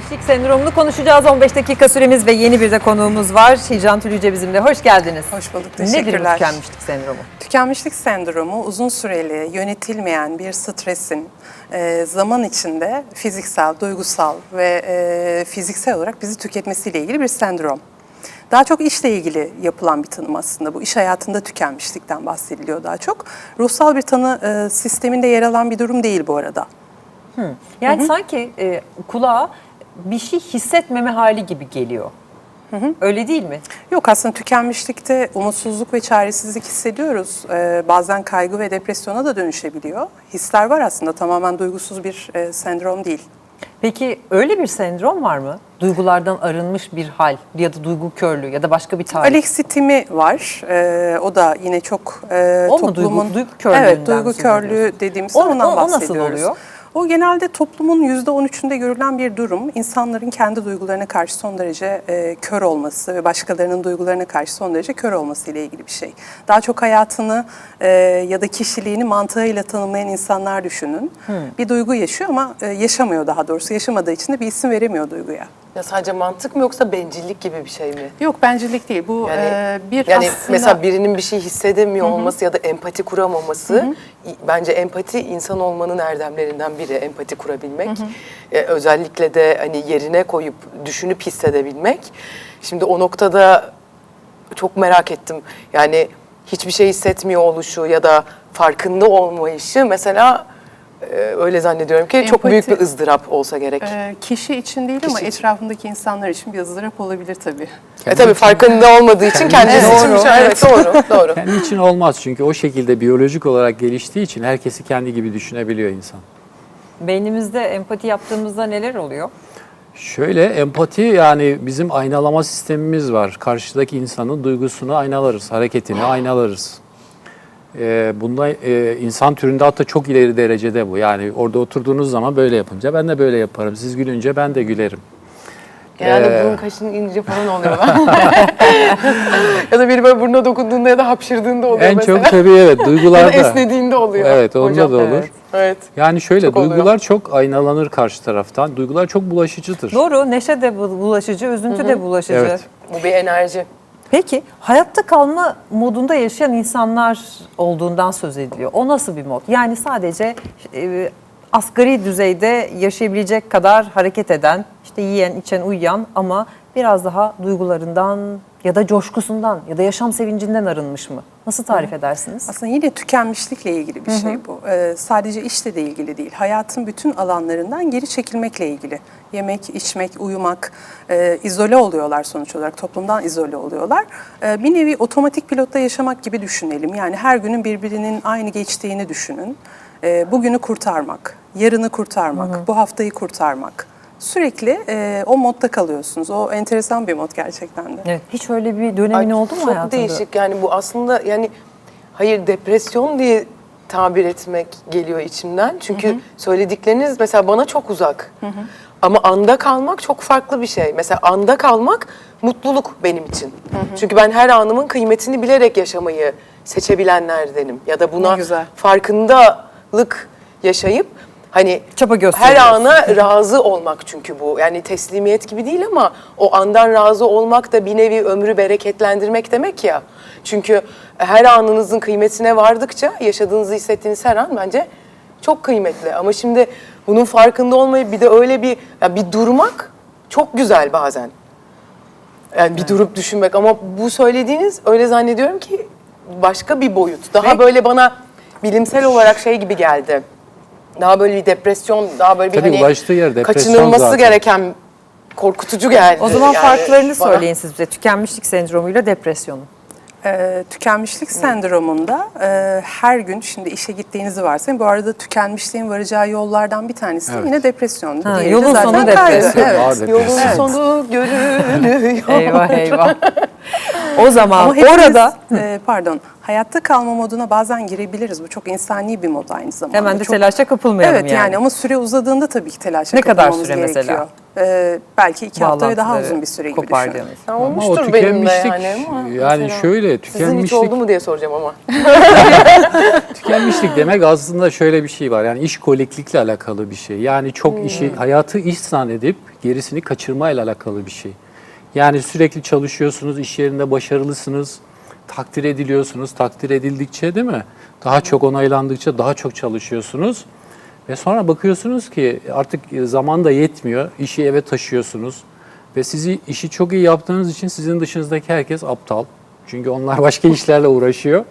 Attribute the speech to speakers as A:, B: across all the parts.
A: Tükenmişlik sendromunu konuşacağız. 15 dakika süremiz ve yeni bir de konuğumuz var. Hicran Tülüce bizimle. Hoş geldiniz.
B: Hoş bulduk, teşekkürler.
A: Nedir bu tükenmişlik sendromu?
B: Tükenmişlik sendromu uzun süreli yönetilmeyen bir stresin zaman içinde fiziksel, duygusal ve fiziksel olarak bizi tüketmesiyle ilgili bir sendrom. Daha çok işle ilgili yapılan bir tanım aslında. Bu iş hayatında tükenmişlikten bahsediliyor daha çok. Ruhsal bir tanı sisteminde yer alan bir durum değil bu arada.
A: Yani sanki kulağa bir şey hissetmeme hali gibi geliyor. Öyle değil mi?
B: Yok, aslında tükenmişlikte umutsuzluk ve çaresizlik hissediyoruz. Bazen kaygı ve depresyona da dönüşebiliyor. Hisler var aslında, tamamen duygusuz bir sendrom değil.
A: Peki öyle bir sendrom var mı? Duygulardan arınmış bir hal ya da duygu körlüğü ya da başka bir tarif.
B: Alexitimi var. O da yine çok
A: O mu
B: toplumun...
A: duygu körlüğünden
B: Evet, duygu
A: söz
B: körlüğü
A: ediyorsun?
B: dediğimiz
A: O
B: ondan
A: nasıl
B: bahsediyoruz.
A: oluyor?
B: O genelde toplumun %13'ünde görülen bir durum. İnsanların kendi duygularına karşı son derece kör olması ve başkalarının duygularına karşı son derece kör olması ile ilgili bir şey. Daha çok hayatını ya da kişiliğini mantığıyla tanımlayan insanlar düşünün. Bir duygu yaşıyor ama yaşamıyor daha doğrusu. Yaşamadığı için de bir isim veremiyor duyguya.
C: Ya sadece mantık mı yoksa bencillik gibi bir şey mi?
B: Yok, bencillik değil. Bu bir
C: Yani
B: aslında...
C: mesela birinin bir şey hissedemiyor olması ya da empati kuramaması, bence empati insan olmanın erdemlerinden biri, empati kurabilmek. Özellikle de hani yerine koyup düşünüp hissedebilmek. Şimdi o noktada çok merak ettim. Yani hiçbir şey hissetmiyor oluşu ya da farkında olmayışı mesela öyle zannediyorum ki çok büyük bir ızdırap olsa gerek.
B: Kişi için değil ama etrafındaki insanlar için bir ızdırap olabilir tabii.
C: Tabii farkında olmadığı için kendisi için bir şey. Evet, doğru.
D: Kendi için olmaz çünkü o şekilde biyolojik olarak geliştiği için herkesi kendi gibi düşünebiliyor insan.
A: Beynimizde empati yaptığımızda neler oluyor?
D: Şöyle, empati yani bizim aynalama sistemimiz var. Karşıdaki insanın duygusunu aynalarız, hareketini aynalarız. Bunda insan türünde hatta çok ileri derecede bu. Yani orada oturduğunuz zaman böyle yapınca ben de böyle yaparım. Siz gülünce ben de gülerim.
C: Genelde burun kaşının ince falan oluyor. Ya da biri böyle burnuna dokunduğunda ya da hapşırdığında oluyor
D: En
C: mesela.
D: çok tabii evet
C: Ya
D: duygularda.
C: da esnediğinde oluyor.
D: Evet, onda
C: hocam.
D: da olur.
C: Evet.
D: Yani şöyle
C: Çok oluyor.
D: duygular çok aynalanır karşı taraftan. Duygular çok bulaşıcıdır.
A: Doğru, neşe de bulaşıcı, üzüntü de bulaşıcı.
D: Evet.
C: Bu bir enerji.
A: Peki hayatta kalma modunda yaşayan insanlar olduğundan söz ediliyor. O nasıl bir mod? Yani sadece asgari düzeyde yaşayabilecek kadar hareket eden, işte yiyen, içen, uyuyan ama biraz daha duygularından ya da coşkusundan ya da yaşam sevincinden arınmış mı? Nasıl tarif edersiniz?
B: Aslında yine tükenmişlikle ilgili bir şey bu. Sadece işle de ilgili değil. Hayatın bütün alanlarından geri çekilmekle ilgili. Yemek, içmek, uyumak, izole oluyorlar sonuç olarak. Toplumdan izole oluyorlar. Bir nevi otomatik pilotta yaşamak gibi düşünelim. Yani her günün birbirinin aynı geçtiğini düşünün. Bugünü kurtarmak, yarını kurtarmak, bu haftayı kurtarmak. Sürekli o modda kalıyorsunuz. O enteresan bir mod gerçekten de.
A: Evet, hiç öyle bir dönemin oldu mu
C: çok
A: hayatında?
C: değişik yani bu aslında yani hayır depresyon diye tabir etmek geliyor içimden. Çünkü söyledikleriniz mesela bana çok uzak. Ama anda kalmak çok farklı bir şey. Mesela anda kalmak mutluluk benim için. Çünkü ben her anımın kıymetini bilerek yaşamayı seçebilenlerdenim. Ya da buna farkındalık yaşayıp hani
A: Çaba
C: her
A: gösteriyorsun.
C: ana razı olmak çünkü bu. Yani teslimiyet gibi değil ama o andan razı olmak da bir nevi ömrü bereketlendirmek demek ya. Çünkü her anınızın kıymetine vardıkça yaşadığınızı hissettiğiniz her an bence çok kıymetli. Ama şimdi bunun farkında olmayıp bir de öyle bir bir durmak çok güzel bazen. Yani bir durup düşünmek ama bu söylediğiniz öyle zannediyorum ki başka bir boyut. Daha böyle bana bilimsel olarak şey gibi geldi. Daha böyle bir depresyon, daha böyle bir
D: Tabii
C: hani
D: ulaştığı yer depresyon
C: kaçınılması
D: zaten.
C: gereken korkutucu geldi.
A: O zaman
C: yani
A: farklarını
C: bana.
A: söyleyin siz bize. Tükenmişlik sendromuyla depresyonun.
B: Tükenmişlik sendromunda her gün şimdi işe gittiğinizi varsayın. Bu arada tükenmişliğin varacağı yollardan bir tanesi de yine depresyon.
A: Ha,
B: Diğeri de
A: yolun
B: zaten
A: sonu
B: kaygı.
A: depresyon.
B: Evet.
D: Ağır
C: Yolun
D: depresyon.
C: sonu görünüyor.
A: Eyvah eyvah. O zaman
B: Ama hepimiz,
A: orada
B: hayatta kalma moduna bazen girebiliriz. Bu çok insani bir mod aynı zamanda.
A: hemen de
B: çok,
A: telaşa kapılmayalım
B: evet yani ama süre uzadığında tabii ki telaşa
A: Ne kadar
B: kapılmamız
A: süre
B: gerekiyor.
A: mesela?
B: Belki 2 hafta ve daha
A: Bağlantıları
B: uzun bir süre gibi düşünün.
A: kopardığınız.
C: Ya
D: Ama o
C: olmuştur benim de
D: tükenmişlik
C: yani ama
D: yani
C: mesela
D: şöyle
C: sizin hiç oldu mu diye soracağım ama.
D: İşlemişlik demek aslında şöyle bir şey var. Yani iş koliklikle alakalı bir şey. Yani çok işi, hayatı iş zannedip gerisini kaçırmayla alakalı bir şey. Yani sürekli çalışıyorsunuz, iş yerinde başarılısınız, takdir ediliyorsunuz. Takdir edildikçe değil mi? Daha çok onaylandıkça daha çok çalışıyorsunuz. Ve sonra bakıyorsunuz ki artık zaman da yetmiyor. İşi eve taşıyorsunuz. Ve sizi işi çok iyi yaptığınız için sizin dışınızdaki herkes aptal. Çünkü onlar başka işlerle uğraşıyor.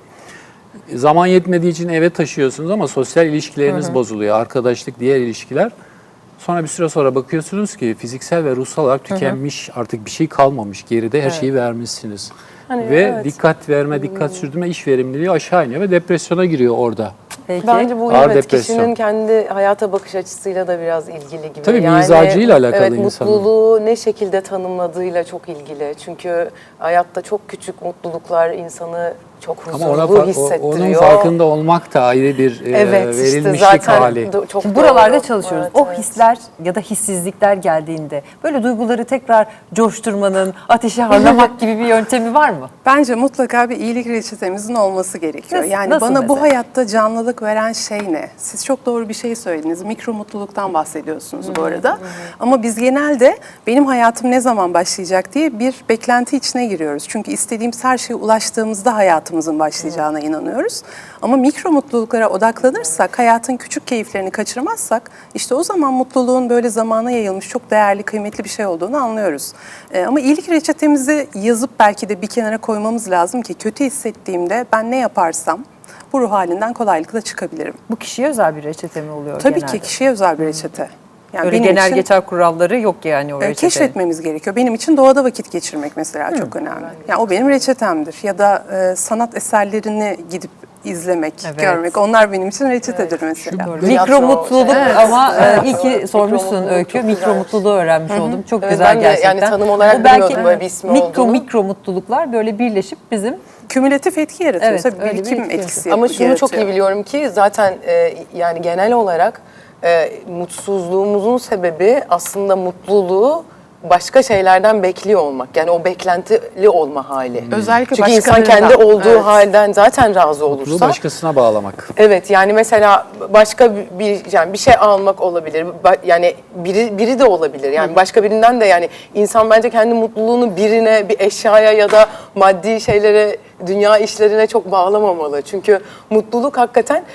D: Zaman yetmediği için eve taşıyorsunuz ama sosyal ilişkileriniz bozuluyor. Arkadaşlık, diğer ilişkiler. Sonra bir süre sonra bakıyorsunuz ki fiziksel ve ruhsal olarak tükenmiş, artık bir şey kalmamış. Geride her şeyi vermişsiniz.
C: Hani
D: ve
C: evet.
D: dikkat verme, dikkat sürdürme, iş verimliliği aşağı iniyor ve depresyona giriyor orada.
A: Peki.
C: Bence bu
D: Ağır
C: evet,
D: depresyon.
C: kişinin kendi hayata bakış açısıyla da biraz ilgili gibi.
D: Tabii mizacıyla alakalı
C: evet,
D: insanın.
C: mutluluğu ne şekilde tanımladığıyla çok ilgili. Çünkü hayatta çok küçük mutluluklar insanı çok
D: Ama
C: huzurlu hissettiriyor.
D: onun farkında olmak da ayrı bir
C: evet, işte
D: verilmişlik
C: zaten
D: hali.
C: çok
A: Şimdi
C: doğru.
A: buralarda çalışıyoruz.
C: Evet,
A: O
C: evet.
A: hisler ya da hissizlikler geldiğinde böyle duyguları tekrar coşturmanın, ateşi harlamak gibi bir yöntemi var mı?
B: Bence mutlaka bir iyilik reçetemizin olması gerekiyor.
A: Nasıl-
B: Yani
A: nasıl
B: bana bu
A: mesela?
B: hayatta canlılık veren şey ne? Siz çok doğru bir şey söylediniz. Mikro mutluluktan bahsediyorsunuz bu arada. Ama biz genelde benim hayatım ne zaman başlayacak diye bir beklenti içine giriyoruz. Çünkü istediğimiz her şeye ulaştığımızda hayatımızın başlayacağına inanıyoruz. Ama mikro mutluluklara odaklanırsak, hayatın küçük keyiflerini kaçırmazsak, işte o zaman mutluluğun böyle zamana yayılmış çok değerli, kıymetli bir şey olduğunu anlıyoruz. Ama iyilik reçetemizi yazıp belki de bir kenara koymamız lazım ki kötü hissettiğimde ben ne yaparsam bu ruh halinden kolaylıkla çıkabilirim.
A: Bu kişiye özel bir reçete mi oluyor
B: Tabii
A: genelde?
B: ki kişiye özel bir reçete. Yani
A: Öyle
B: benim
A: genel
B: için,
A: geçer kuralları yok yani o reçetenin.
B: keşfetmemiz gerekiyor. Benim için doğada vakit geçirmek mesela çok önemli. Yani o benim reçetemdir. Ya da sanat eserlerini gidip izlemek,
A: Evet.
B: görmek. Onlar benim için reçetedir mesela.
C: Doğru.
A: Mikro
C: Tiyatro,
A: mutluluk
C: evet.
A: ama
C: Evet,
A: iyi ki
C: evet.
A: sormuşsun
C: Mikro mutluluk
A: Öykü.
C: çok
A: Mikro
C: güzel.
A: mutluluğu öğrenmiş oldum. Çok
C: Evet,
A: güzel
C: ben de yani
A: gerçekten.
C: tanım olarak
A: O belki
C: bilmiyordum böyle bir ismi olduğunu.
A: mikro mutluluklar böyle birleşip bizim
B: Kümülatif etki yaratıyor.
A: Evet,
B: Tabii
A: öyle bir
B: birikim
A: etki
B: etkisi
C: Ama şunu çok iyi
B: yaratıyor.
C: biliyorum ki zaten yani genel olarak mutsuzluğumuzun sebebi aslında mutluluğu başka şeylerden bekliyor olmak. Yani o beklentili olma hali.
B: Özellikle
C: Çünkü insan
B: başkalarından.
C: kendi olduğu
B: Evet.
C: halden zaten razı
D: Mutluluğu
C: olursa.
D: başkasına bağlamak.
C: Evet, yani mesela başka bir şey almak olabilir. Yani biri de olabilir. Yani başka birinden de, yani insan bence kendi mutluluğunu birine, bir eşyaya ya da maddi şeylere, dünya işlerine çok bağlamamalı. Çünkü mutluluk hakikaten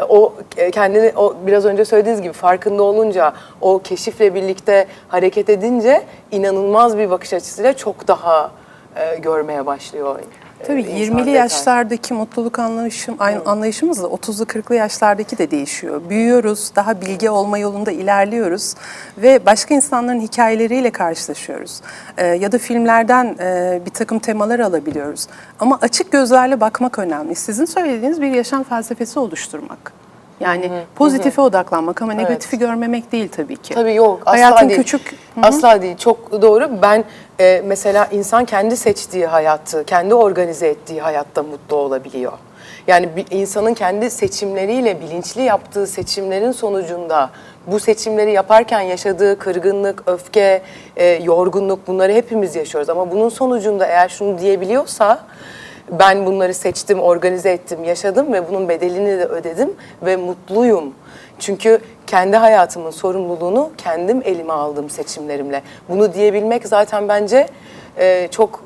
C: kendini o biraz önce söylediğiniz gibi farkında olunca, o keşifle birlikte hareket edince inanılmaz bir bakış açısıyla çok daha görmeye başlıyor.
B: Tabii
C: insan
B: 20'li
C: detay.
B: yaşlardaki mutluluk anlayışımızla 30'lu 40'lı yaşlardaki de değişiyor. Büyüyoruz, daha bilge olma yolunda ilerliyoruz ve başka insanların hikayeleriyle karşılaşıyoruz. Ya da filmlerden bir takım temalar alabiliyoruz. Ama açık gözlerle bakmak önemli. Sizin söylediğiniz bir yaşam felsefesi oluşturmak. Yani pozitife odaklanmak ama negatifi görmemek değil tabii ki.
C: Tabii yok, asla
B: Hayatın
C: değil.
B: küçük...
C: Asla değil, çok doğru. Ben mesela insan kendi seçtiği hayatı, kendi organize ettiği hayatta mutlu olabiliyor. Yani bir insanın kendi seçimleriyle, bilinçli yaptığı seçimlerin sonucunda bu seçimleri yaparken yaşadığı kırgınlık, öfke, yorgunluk, bunları hepimiz yaşıyoruz. Ama bunun sonucunda eğer şunu diyebiliyorsa, ben bunları seçtim, organize ettim, yaşadım ve bunun bedelini de ödedim ve mutluyum. Çünkü kendi hayatımın sorumluluğunu kendim elime aldım seçimlerimle. Bunu diyebilmek zaten bence çok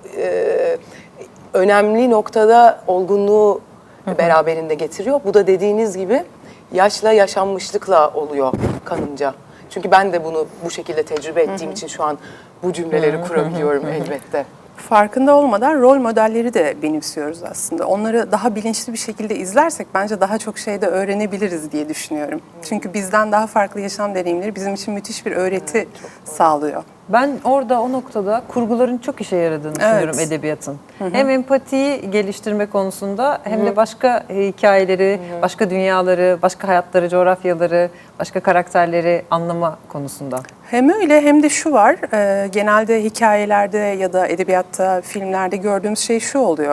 C: önemli noktada olgunluğu beraberinde getiriyor. Bu da dediğiniz gibi yaşla, yaşanmışlıkla oluyor kanımca. Çünkü ben de bunu bu şekilde tecrübe ettiğim için şu an bu cümleleri kurabiliyorum elbette.
B: Farkında olmadan rol modelleri de benimsiyoruz aslında. Onları daha bilinçli bir şekilde izlersek bence daha çok şey de öğrenebiliriz diye düşünüyorum. Çünkü bizden daha farklı yaşam deneyimleri bizim için müthiş bir öğreti sağlıyor.
A: Ben orada o noktada kurguların çok işe yaradığını düşünüyorum edebiyatın. Hem empatiyi geliştirme konusunda hem de başka hikayeleri, başka dünyaları, başka hayatları, coğrafyaları, başka karakterleri anlama konusunda.
B: Hem öyle hem de şu var, genelde hikayelerde ya da edebiyatta, filmlerde gördüğümüz şey şu oluyor.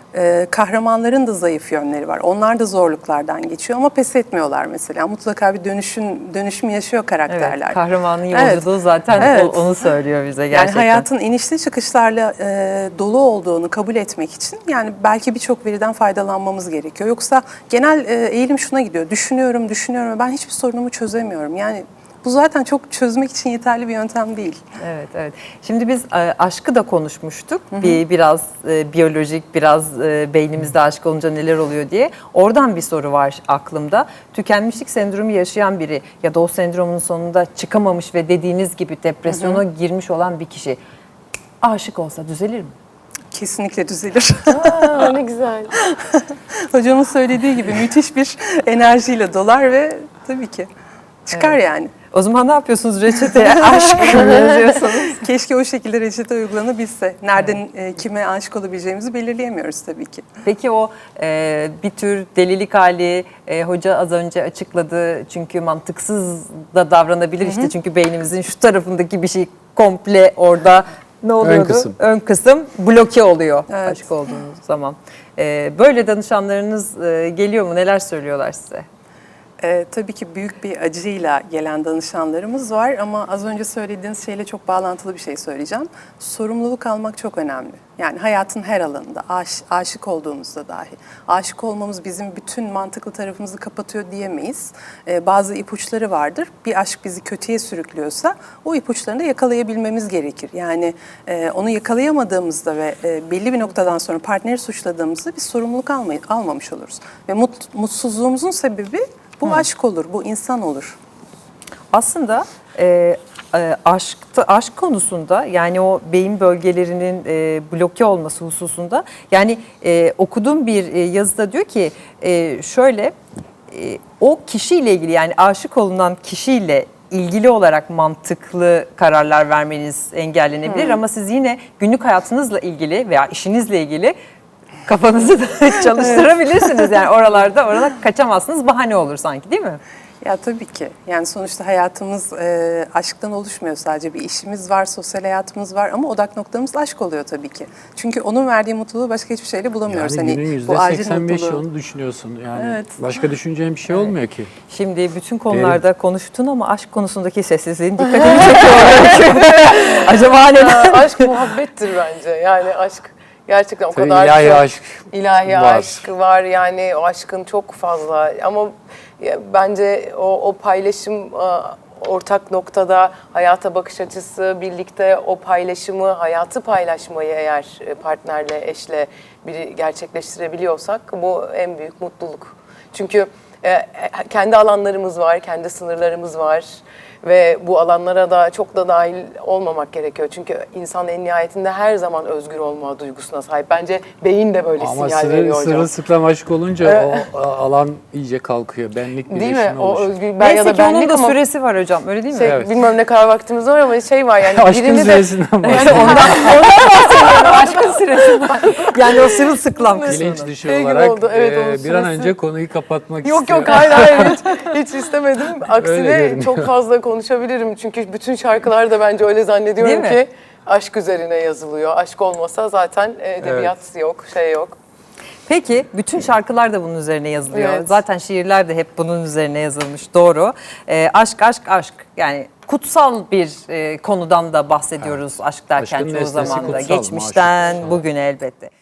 B: Kahramanların da zayıf yönleri var. Onlar da zorluklardan geçiyor ama pes etmiyorlar mesela. Mutlaka bir dönüşüm yaşıyor karakterler.
A: Evet, kahramanın
B: Evet.
A: yolculuğu zaten
B: Evet.
A: onu söylüyor bize
B: Yani
A: gerçekten.
B: hayatın inişli çıkışlarla dolu olduğunu kabul etmek için yani belki birçok veriden faydalanmamız gerekiyor. Yoksa genel eğilim şuna gidiyor. Düşünüyorum ve ben hiçbir sorunumu çözemiyorum. Yani bu zaten çok çözmek için yeterli bir yöntem değil.
A: Evet, evet. Şimdi biz aşkı da konuşmuştuk. Biraz biyolojik, biraz beynimizde aşk olunca neler oluyor diye. Oradan bir soru var aklımda. Tükenmişlik sendromu yaşayan biri ya da o sendromun sonunda çıkamamış ve dediğiniz gibi depresyona girmiş olan bir kişi aşık olsa düzelir mi?
B: Kesinlikle düzelir.
C: Aa, ne güzel.
B: Hocamın söylediği gibi müthiş bir enerjiyle dolar ve tabii ki çıkar yani.
A: O zaman ne yapıyorsunuz reçeteye? Aşk yazıyorsunuz.
B: Keşke o şekilde reçete uygulanabilse. Nereden kime aşık olabileceğimizi belirleyemiyoruz tabii ki.
A: Peki o bir tür delilik hali hoca az önce açıkladı. Çünkü mantıksız da davranabilir işte. Çünkü beynimizin şu tarafındaki bir şey komple orada ne oluyordu? Ön kısım bloke oluyor
B: Evet.
A: aşık olduğunuz zaman. Böyle danışanlarınız geliyor mu? Neler söylüyorlar size?
B: Tabii ki büyük bir acıyla gelen danışanlarımız var ama az önce söylediğiniz şeyle çok bağlantılı bir şey söyleyeceğim. Sorumluluk almak çok önemli. Yani hayatın her alanında, aşık olduğumuzda dahi. Aşık olmamız bizim bütün mantıklı tarafımızı kapatıyor diyemeyiz. Bazı ipuçları vardır. Bir aşk bizi kötüye sürüklüyorsa o ipuçlarını da yakalayabilmemiz gerekir. Yani onu yakalayamadığımızda ve belli bir noktadan sonra partneri suçladığımızda biz sorumluluk almamış oluruz. Ve mutsuzluğumuzun sebebi bu aşk olur, bu insan olur.
A: Aslında aşk konusunda yani o beyin bölgelerinin bloke olması hususunda yani okuduğum bir yazıda diyor ki şöyle o kişiyle ilgili yani aşık olunan kişiyle ilgili olarak mantıklı kararlar vermeniz engellenebilir ama siz yine günlük hayatınızla ilgili veya işinizle ilgili kafanızı da çalıştırabilirsiniz. Yani oralara kaçamazsınız, bahane olur sanki değil mi?
B: Ya tabii ki. Yani sonuçta hayatımız aşktan oluşmuyor sadece. Bir işimiz var, sosyal hayatımız var ama odak noktamız aşk oluyor tabii ki. Çünkü onun verdiği mutluluğu başka hiçbir şeyle bulamıyoruz.
D: Yani günün
B: bu acil
D: %85'i
B: mutluluğu.
D: onu düşünüyorsun. Yani
B: Evet.
D: başka düşüneceğin bir şey olmuyor ki.
A: Şimdi bütün konularda konuştun ama aşk konusundaki sessizliğin dikkatimi çekiyor. Acaba neden?
C: Aşk muhabbettir bence. Yani aşk gerçekten o
D: Tabii
C: kadar
D: ilahi
C: çok
D: aşk
C: ilahi
D: var.
C: aşk var. Yani o aşkın çok fazla ama bence o paylaşım ortak noktada hayata bakış açısı, birlikte o paylaşımı, hayatı paylaşmayı eğer partnerle, eşle biri gerçekleştirebiliyorsak bu en büyük mutluluk. Çünkü kendi alanlarımız var, kendi sınırlarımız var ve bu alanlara da çok da dahil olmamak gerekiyor. Çünkü insan en nihayetinde her zaman özgür olma duygusuna sahip. Bence beyin de böyle
D: Ama
C: sinyal veriyor hocam.
D: sırılsıklam aşk olunca o alan iyice kalkıyor. Benlik
C: Değil mi?
D: birleşimi
C: O
D: oluşuyor.
C: özgür ben
A: Neyse
C: ya da
A: ki onun
C: benlik
A: da
C: ama
A: süresi var hocam öyle değil mi?
D: Evet.
C: bilmem ne kadar vaktimiz var ama şey var yani
D: Aşkın
C: birini de
D: süresinden bahsediyor.
A: Aşkın süresi var. Yani o sırılsıklam kısmı.
D: Bilinç dışı
C: Şey gibi
D: olarak
C: oldu, evet, onun
D: bir an
C: süresi-
D: önce konuyu kapatmak
C: Yok
D: istiyor.
C: yok hayır hiç istemedim.
D: Öyle
C: Aksine
D: görünüyor.
C: çok fazla konuşabilirim. Çünkü bütün şarkılar da bence öyle zannediyorum
A: Değil mi?
C: ki aşk üzerine yazılıyor. Aşk olmasa zaten edebiyat yok, şey yok.
A: Peki bütün şarkılar da bunun üzerine yazılıyor.
C: Evet.
A: Zaten şiirler de hep bunun üzerine yazılmış. Doğru. Aşk aşk aşk yani kutsal bir konudan da bahsediyoruz aşk derken
D: Aşkın
A: çoğu
D: nesnesi
A: zaman da.
D: kutsal,
A: Geçmişten
D: maşuk kutsal.
A: bugüne elbette.